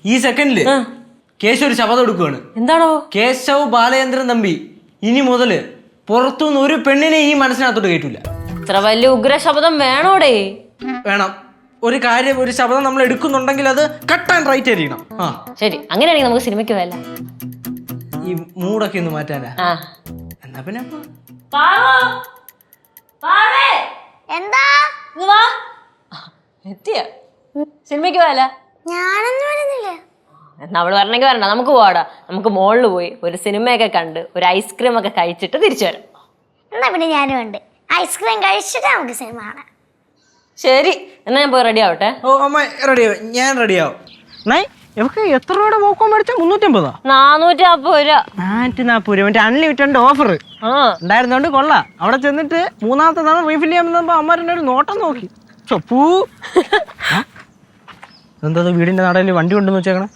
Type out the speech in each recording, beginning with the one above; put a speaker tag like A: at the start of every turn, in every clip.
A: ഈ സെക്കൻഡില് കേശു ഒരു ശപഥം എടുക്കുകയാണ്.
B: എന്താണോ?
A: കേശവ് ബാലചന്ദ്രൻ തമ്പി ഇനി മുതല് പുറത്തുനിന്ന് ഒരു പെണ്ണിനെ ഈ മനസ്സിനകത്തോട്ട് കേട്ടില്ല.
B: ഇത്ര വലിയ ഉഗ്ര ശബ്ദം വേണോടേ?
A: വേണം. ഒരു കാര്യം, ഒരു ശബ്ദം നമ്മൾ എടുക്കുന്നുണ്ടെങ്കിൽ അത് കട്ട് ആൻഡ് റൈറ്റ് ആയിരിക്കണം.
B: ശരി, അങ്ങനെയാണെങ്കിൽ നമുക്ക് സിനിമയ്ക്ക് പോയല്ല.
A: ഈ മൂടൊക്കെ ഒന്ന് മാറ്റാനാ. എന്നാ പിന്നെ
C: എന്താ
B: എത്തിയ സിനിമയ്ക്ക് പോയല്ല?
C: ഞാനൊന്നും വരുന്നില്ല.
B: എന്നാ അവള് വരണമെങ്കിൽ വരണ്ട, നമുക്ക് പോവാടാ. നമുക്ക് മോളിൽ പോയി ഒരു സിനിമയൊക്കെ കണ്ട് ഒരു ഐസ്ക്രീം ഒക്കെ കഴിച്ചിട്ട് തിരിച്ചു വരാം.
C: എന്നാ പിന്നെ ഞാനും ഉണ്ട്. ഐസ്ക്രീം കഴിച്ചിട്ട് നമുക്ക് സിനിമ കാണാം.
B: ശരി, എന്നാ ഞാൻ പോയി റെഡി ആവട്ടെ.
A: ഓ അമ്മ റെഡിയാവും, ഞാൻ റെഡിയാവും. എത്ര രൂപയുടെ പോക്കോൺ മേടിച്ചാ? 350.
B: 440 രൂപ.
A: 440 രൂപ. അൺലിമിറ്റഡ് ഓഫർ ഉണ്ടായിരുന്നോണ്ട് കൊള്ളാം. അവിടെ ചെന്നിട്ട് മൂന്നാമത്തെ തവണ റീഫിൽ ചെയ്യാൻ അമ്മ ഒരു നോട്ടം നോക്കി. എന്താ വീടിന്റെ നടയിൽ വണ്ടി കൊണ്ടെന്ന് വെച്ചേക്കണേ?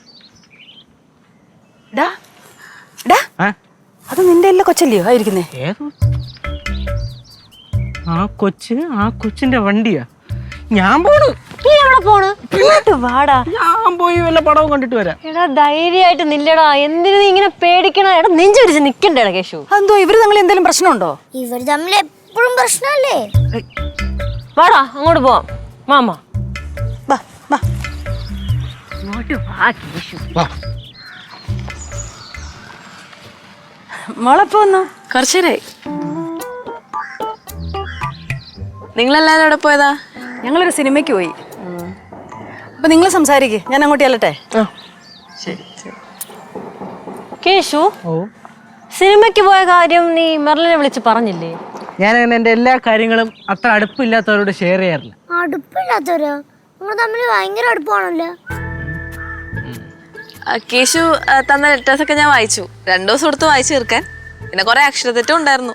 D: അത് നിന്റെ എല്ലാ കൊച്ചല്ലയോ ആയിരിക്കുന്നേ?
A: ഏതോ ആ കൊച്ചിന്റെ വണ്ടിയാ. ഞാൻ പോണ്.
B: വാടാ,
A: ഞാൻ പോയി വല്ല പടവും കണ്ടിട്ട് വരാം.
B: എടാ ധൈര്യമായിട്ട് നില്ലടാ. എന്തിനു നീ ഇങ്ങനെ പേടിക്കണ? എടാ നെഞ്ചൊരിച്ച് നിക്കണ്ടേടാ കേശു.
D: എന്തോ ഇവര് തമ്മിൽ എന്തെങ്കിലും പ്രശ്നമുണ്ടോ?
C: ഇവർ തമ്മിൽ എപ്പോഴും പ്രശ്നമല്ലേ?
B: വാടാ അങ്ങോട്ട് പോവാം. മാമ
D: മോളെപ്പോ വന്നു? കുറച്ചേരായി.
E: നിങ്ങളെല്ലാരും എവിടെ പോയതാ?
D: ഞങ്ങളൊരു സിനിമയ്ക്ക് പോയി. അപ്പൊ നിങ്ങൾ സംസാരിക്കേ, ഞാൻ അങ്ങോട്ട് ചെല്ലട്ടെ.
B: കേശു, സിനിമയ്ക്ക് പോയ കാര്യം നീ മെർലിനെ വിളിച്ച് പറഞ്ഞില്ലേ?
A: ഞാൻ അങ്ങനെ എന്റെ എല്ലാ കാര്യങ്ങളും അത്ര അടുപ്പില്ലാത്തവരോട് ഷെയർ ചെയ്യാറില്ല.
C: അടുപ്പില്ലാത്തവരോ? നിങ്ങൾ തമ്മിൽ ഭയങ്കര അടുപ്പാണല്ലോ.
E: കേശു തന്ന ലെറ്റേഴ്സ് ഒക്കെ ഞാൻ വായിച്ചു. 2 ദിവസം എടുത്ത് വായിച്ചു തീർക്കാൻ. പിന്നെ കുറെ അക്ഷരത്തെറ്റും ഉണ്ടായിരുന്നു.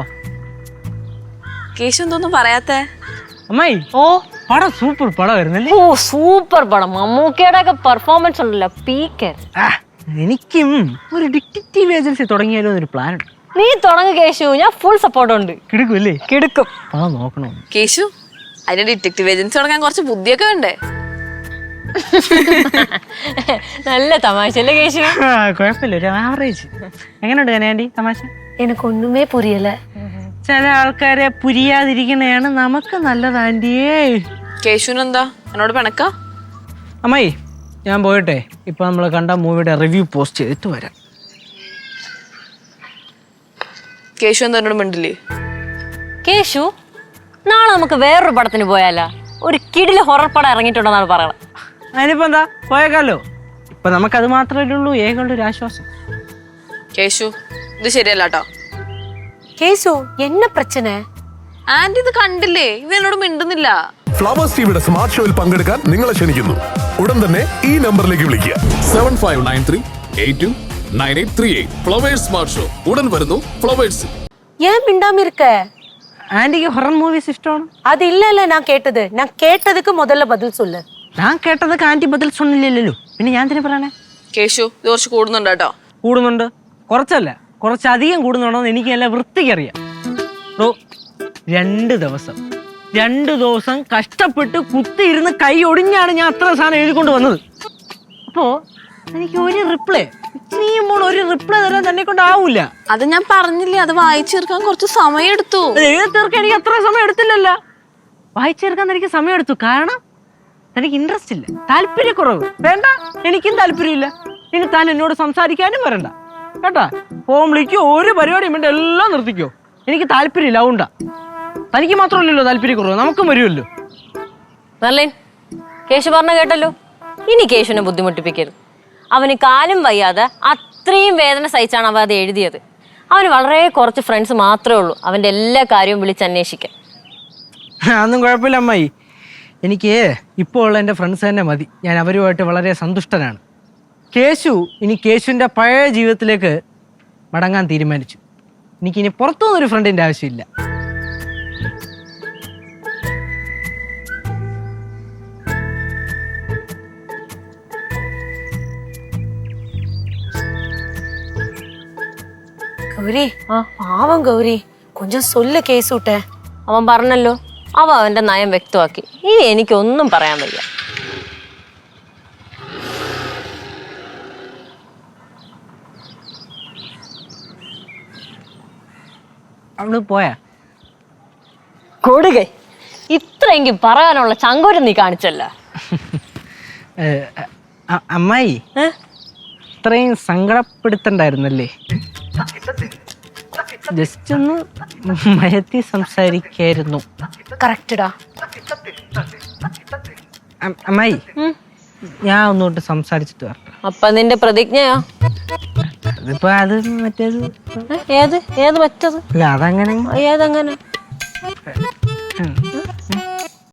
E: കേശു എന്തോന്നും പറയാത്തേ?
A: അമ്മായി, പടം സൂപ്പർ പടമായിരുന്നല്ലേ?
B: ഓ സൂപ്പർ പടം. മമ്മൂക്കയുടെ ഒക്കെ പെർഫോമൻസ് ഉണ്ടല്ലോ, പീക്കർ.
A: എനിക്കും ഒരു ഡിറ്റക്റ്റീവ് ഏജൻസി തുടങ്ങിയാലോ എന്നൊരു പ്ലാൻ ഉണ്ട്.
B: നീ തുടങ്ങ് കേശു, ഞാൻ ഫുൾ സപ്പോർട്ട് ഉണ്ട്.
A: കിടക്കുമല്ലേ?
B: കിടക്കും.
A: പടം നോക്കണോ?
E: കേശു, അതിന് ഡിറ്റക്റ്റീവ് ഏജൻസി തുടങ്ങാൻ കുറച്ച് ബുദ്ധിയൊക്കെ വേണ്ടേ?
B: നല്ല തമാശ അല്ലേ കേശു?
A: കുഴപ്പമില്ല, ഒരു ആവറേജ്. എങ്ങനെയുണ്ട് കനയാൻഡി തമാശ?
B: എനിക്കൊന്നുമേ പുരിയല്ല.
A: ചില ആൾക്കാരെ പുരിയാതിരിക്കണയാണ് നമുക്ക് നല്ലത് ആൻറ്റിയേ.
E: കേശുവിനെന്താ എന്നോട് പിണക്ക?
A: അമ്മായി, ഞാൻ പോയിട്ടെ ഇപ്പൊ നമ്മൾ കണ്ട മൂവിയുടെ റിവ്യൂ പോസ്റ്റ് ചെയ്തിട്ട് വരാം.
E: കേശു എന്താ എന്നോട് മിണ്ടില്ലേ?
B: കേശു, നാളെ നമുക്ക് വേറൊരു പടത്തിന് പോയാലോ? ഒരു കിടില് ഹൊറർ പടം ഇറങ്ങിയിട്ടുണ്ടെന്നാണ് പറയണത്.
A: അതിനിപ്പോ എന്താ, പോയേക്കാലോ. ഇപ്പൊ നമുക്കത് മാത്രമല്ലേ ഉള്ളൂ ഏകളുടെ ഒരു ആശ്വാസം.
E: കേശു, ഇത് ശരിയല്ല കേട്ടോ.
B: കേശു, എന്നെ പ്രശ്ന?
E: ആന്റി ഇത് കണ്ടില്ലേ? ഇവ എന്നോട് മിണ്ടുന്നില്ല.
F: ഫ്ലവേഴ്സ് ടിവിയുടെ സ്മാർട്ട് ഷോയിൽ പങ്കെടുക്കാൻ നിങ്ങളെ ക്ഷണിക്കുന്നു. ഉടൻ തന്നെ ഈ നമ്പറിലേക്ക് വിളിക്കുക.
G: 7593829838. ഫ്ലവേഴ്സ് സ്മാർട്ട് ഷോ ഉടൻ വരുന്നു ഫ്ലവേഴ്സ്.
H: ஏன் மிண்டாம இருக்க?
A: ആന്റിക്ക് ഹൊറർ മൂവീസ് ഇഷ്ടമാണ്?
H: அது இல்ல நான் கேட்டதுக்கு முதல்ல பதில் சொல்லு.
A: ഞാൻ കേട്ടതൊക്കെ ആന്റി ബദൽ സൊന്നില്ലല്ലോ, പിന്നെ ഞാൻ തന്നെ പറയണേ.
E: കേശു, ഇത് കുറച്ച് കൂടുന്നുണ്ട് കേട്ടോ.
A: കൂടുന്നുണ്ട്, കുറച്ചല്ല കുറച്ചധികം കൂടുന്നുണ്ടോന്ന് എനിക്ക് നല്ല വൃത്തിക്കറിയാം. 2 ദിവസം കഷ്ടപ്പെട്ട് കുത്തിയിരുന്ന് കൈ ഒടിഞ്ഞാണ് ഞാൻ അത്ര സാധനം എഴുതിക്കൊണ്ട് വന്നത്. അപ്പോ എനിക്ക് ഒരു റിപ്ലൈ തരാൻ തന്നെ കൊണ്ടാവൂല.
E: അത് ഞാൻ പറഞ്ഞില്ലേ, അത് വായിച്ചു തീർക്കാൻ കുറച്ച് സമയം എടുത്തു.
A: എഴുതി തീർക്കാൻ എനിക്ക് അത്ര സമയം എടുത്തില്ലല്ലോ. വായിച്ചു തീർക്കാൻ എനിക്ക് സമയം എടുത്തു. കാരണം എനിക്ക് ഇൻട്രസ്റ്റ് ഇല്ല, താല്പര്യക്കുറവ്. വേണ്ട, എനിക്കും താല്പര്യമില്ല. ഇനി താൻ എന്നോട് സംസാരിക്കാനും വരണ്ട കേട്ടാ. ഫോൺ വിളിക്കോ, ഒരു പരിപാടിയും വേണ്ട, എല്ലാം നിർത്തിക്കോ. എനിക്ക് താല്പര്യമില്ല, അതുകൊണ്ടാ. തനിക്ക് മാത്രമല്ലല്ലോ താല്പര്യക്കുറവ്, നമുക്കും വരുമല്ലോ.
B: മെർലിൻ, കേശു പറഞ്ഞ കേട്ടല്ലോ. ഇനി കേശുവിനെ ബുദ്ധിമുട്ടിപ്പിക്കരുത്. അവന് കാലും വയ്യാതെ അത്രയും വേദന സഹിച്ചാണ് അവ അത് എഴുതിയത്. അവന് വളരെ കുറച്ച് ഫ്രണ്ട്സ് മാത്രമേ ഉള്ളൂ അവൻ്റെ എല്ലാ കാര്യവും വിളിച്ചന്വേഷിക്കാൻ.
A: അതൊന്നും കുഴപ്പമില്ല അമ്മായി. എനിക്ക് ഇപ്പോൾ ഉള്ള എൻ്റെ ഫ്രണ്ട്സ് തന്നെ മതി. ഞാൻ അവരുമായിട്ട് വളരെ സന്തുഷ്ടനാണ്. കേശു ഇനി കേശുവിൻ്റെ പഴയ ജീവിതത്തിലേക്ക് മടങ്ങാൻ തീരുമാനിച്ചു. എനിക്കിനി പുറത്തുനിന്നൊരു ഫ്രണ്ടിൻ്റെ ആവശ്യമില്ല.
H: கௌரி, பாவம் கௌரி, கொஞ்சம் சொல்ல கேஸ் விட்ட.
B: അവൻ പറഞ്ഞല്ലോ, അവൻ്റെ നയം വ്യക്തമാക്കി. ഇനി എനിക്കൊന്നും പറയാൻ വയ്യ.
A: അവള് പോയാ?
B: കൊടുകൈ ഇത്രയെങ്കിലും പറയാനുള്ള ചങ്കോരം നീ കാണിച്ചല്ല.
A: അമ്മായി ഇത്രയും സങ്കടപ്പെടുത്തണ്ടായിരുന്നല്ലേ? ജസ്റ്റ് ഒന്ന് മയത്തി സംസാരിക്കായിരുന്നു.
H: കറക്റ്റഡാ.
A: അമ്മായി ഞാൻ ഒന്നുകൊണ്ട് സംസാരിച്ചിട്ട് വരട്ടെ.
B: അപ്പൊ നിന്റെ പ്രതിജ്ഞയോ?
A: അതിപ്പോ അത് മറ്റേത്
B: ഏത് ഏത് മറ്റത്?
A: അല്ല അതങ്ങനെ
B: ഏതങ്ങനെ?